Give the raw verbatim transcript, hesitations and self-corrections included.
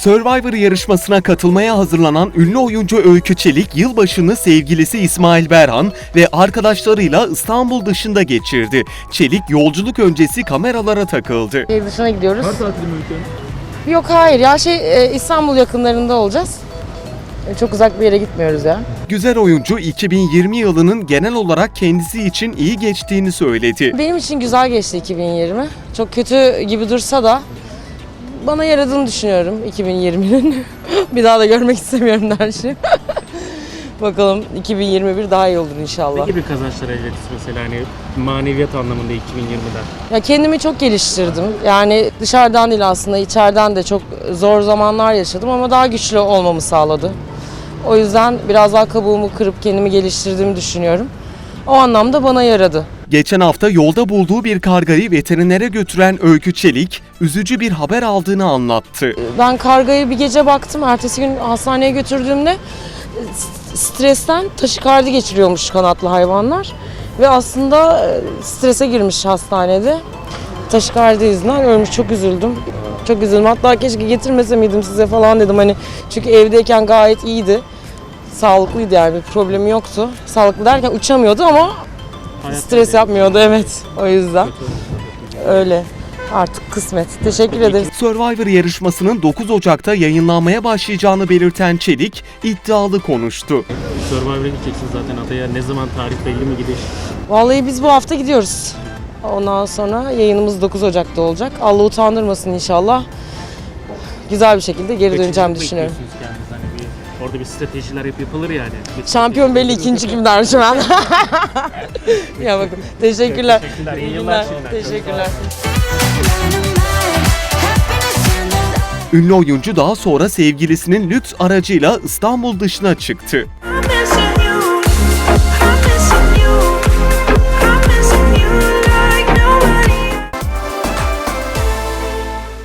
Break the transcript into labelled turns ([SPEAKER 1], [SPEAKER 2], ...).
[SPEAKER 1] Survivor yarışmasına katılmaya hazırlanan ünlü oyuncu Öykü Çelik, yılbaşını sevgilisi İsmail Berhan ve arkadaşlarıyla İstanbul dışında geçirdi. Çelik, yolculuk öncesi kameralara takıldı.
[SPEAKER 2] Şehir dışına gidiyoruz.
[SPEAKER 3] Kar tatili mi Öykü?
[SPEAKER 2] Yok hayır ya şey e, İstanbul yakınlarında olacağız. E, Çok uzak bir yere gitmiyoruz ya.
[SPEAKER 1] Güzel oyuncu iki bin yirmi yılının genel olarak kendisi için iyi geçtiğini söyledi.
[SPEAKER 2] Benim için güzel geçti iki bin yirmi. Çok kötü gibi dursa da bana yaradığını düşünüyorum iki bin yirminin. Bir daha da görmek istemiyorum her şeyi. Bakalım iki bin yirmi bir daha iyi olur inşallah.
[SPEAKER 3] Ne gibi kazançlar elde ettiniz mesela hani maneviyat anlamında iki bin yirmiden?
[SPEAKER 2] Ya kendimi çok geliştirdim. Yani dışarıdan değil aslında içeriden de çok zor zamanlar yaşadım ama daha güçlü olmamı sağladı. O yüzden biraz daha kabuğumu kırıp kendimi geliştirdiğimi düşünüyorum. O anlamda bana yaradı.
[SPEAKER 1] Geçen hafta yolda bulduğu bir kargayı veterinere götüren Öykü Çelik, üzücü bir haber aldığını anlattı.
[SPEAKER 2] Ben kargaya bir gece baktım. Ertesi gün hastaneye götürdüğümde stresten taşikardi geçiriyormuş kanatlı hayvanlar. Ve aslında strese girmiş hastanede. Taşikardi yüzünden ölmüş. Çok üzüldüm. Çok üzüldüm. Hatta keşke getirmese miydim size falan dedim. Hani çünkü evdeyken gayet iyiydi. Sağlıklıydı yani bir problemi yoktu. Sağlıklı derken uçamıyordu ama
[SPEAKER 3] Hayat
[SPEAKER 2] stres
[SPEAKER 3] tabii.
[SPEAKER 2] yapmıyordu evet. O yüzden öyle. Artık kısmet. Teşekkür ederiz.
[SPEAKER 1] Survivor yarışmasının dokuz Ocak'ta yayınlanmaya başlayacağını belirten Çelik, iddialı konuştu.
[SPEAKER 3] Survivor'a gideceksiniz zaten adaya. Ne zaman tarih belli mi gidiş?
[SPEAKER 2] Vallahi biz bu hafta gidiyoruz. Ondan sonra yayınımız dokuz Ocak'ta olacak. Allah utandırmasın inşallah. Güzel bir şekilde geri döneceğim düşünüyorum.
[SPEAKER 3] Bekliyorsunuz kendiniz hani bir, orada bir stratejiler hep yapılır yani. Bir
[SPEAKER 2] Şampiyon belli, ikinci kim dermişim ben. Ya bakın. Teşekkürler.
[SPEAKER 3] Teşekkürler, iyi yıllar şimdiden.
[SPEAKER 2] Teşekkürler.
[SPEAKER 1] Ünlü oyuncu daha sonra sevgilisinin lüks aracıyla İstanbul dışına çıktı.